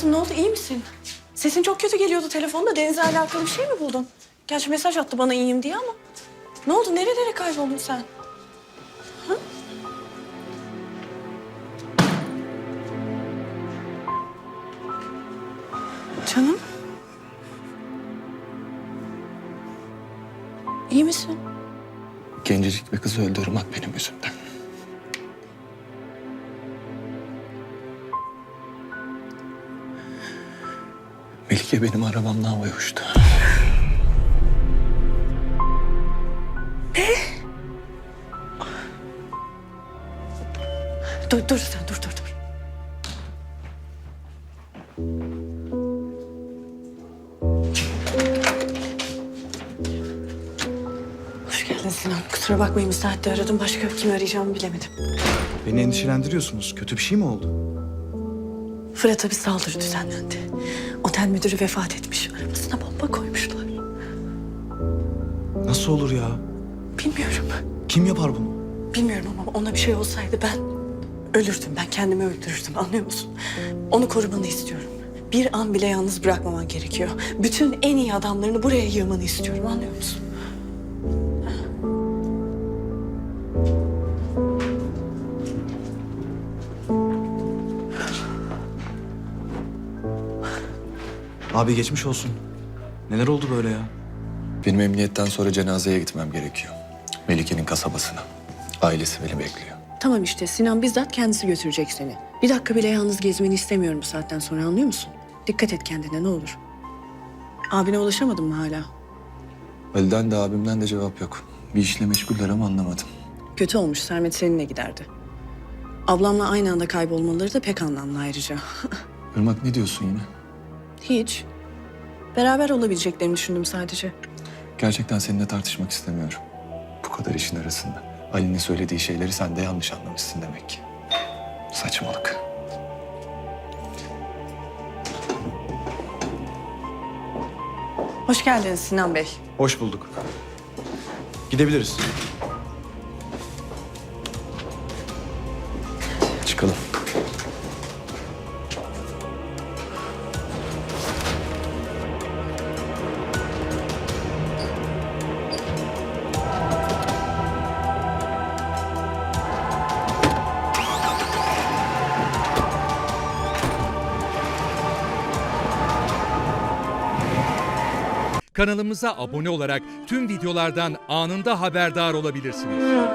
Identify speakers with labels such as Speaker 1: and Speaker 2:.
Speaker 1: Hayatım ne oldu, iyi misin? Sesin çok kötü geliyordu telefonda. Deniz'le alakalı bir şey mi buldun? Gerçi mesaj attı bana iyiyim diye ama. Ne oldu, nerelere kayboldun sen? Ha? Canım. İyi misin?
Speaker 2: Gencecik bir kızı öldü Irmak benim yüzümden. Melike benim arabamla havaya uçtu.
Speaker 1: Dur sen, dur. Hoş geldin Sinan. Kusura bakmayın, bir saatte aradım. Başka kimi arayacağımı bilemedim.
Speaker 3: Beni endişelendiriyorsunuz. Kötü bir şey mi oldu?
Speaker 1: Fırat'a bir saldırı düzenlendi. Otel müdürü vefat etmiş. Arabasına bomba koymuşlar.
Speaker 3: Nasıl olur ya?
Speaker 1: Bilmiyorum.
Speaker 3: Kim yapar bunu?
Speaker 1: Bilmiyorum ama ona bir şey olsaydı ben ölürdüm. Ben kendimi öldürürdüm, anlıyor musun? Onu korumanı istiyorum. Bir an bile yalnız bırakmaman gerekiyor. Bütün en iyi adamlarını buraya yığmanı istiyorum, anlıyor musun?
Speaker 3: Abi geçmiş olsun. Neler oldu böyle ya?
Speaker 2: Benim emniyetten sonra cenazeye gitmem gerekiyor. Melike'nin kasabasına. Ailesi beni bekliyor.
Speaker 1: Tamam işte, Sinan bizzat kendisi götürecek seni. Bir dakika bile yalnız gezmeni istemiyorum bu saatten sonra, anlıyor musun? Dikkat et kendine, ne olur. Abine ulaşamadın mı hala?
Speaker 2: Ali'den de abimden de cevap yok. Bir işle meşguller ama anlamadım.
Speaker 1: Kötü olmuş, Sermet seninle giderdi. Ablamla aynı anda kaybolmaları da pek anlamlı ayrıca.
Speaker 2: Irmak ne diyorsun yine?
Speaker 1: Hiç. Beraber olabileceklerini düşündüm sadece.
Speaker 2: Gerçekten seninle tartışmak istemiyorum. Bu kadar işin arasında. Ali'nin söylediği şeyleri sen de yanlış anlamışsın demek ki. Saçmalık.
Speaker 1: Hoş geldiniz Sinan Bey.
Speaker 3: Hoş bulduk. Gidebiliriz.
Speaker 2: Çıkalım.
Speaker 4: Kanalımıza abone olarak tüm videolardan anında haberdar olabilirsiniz.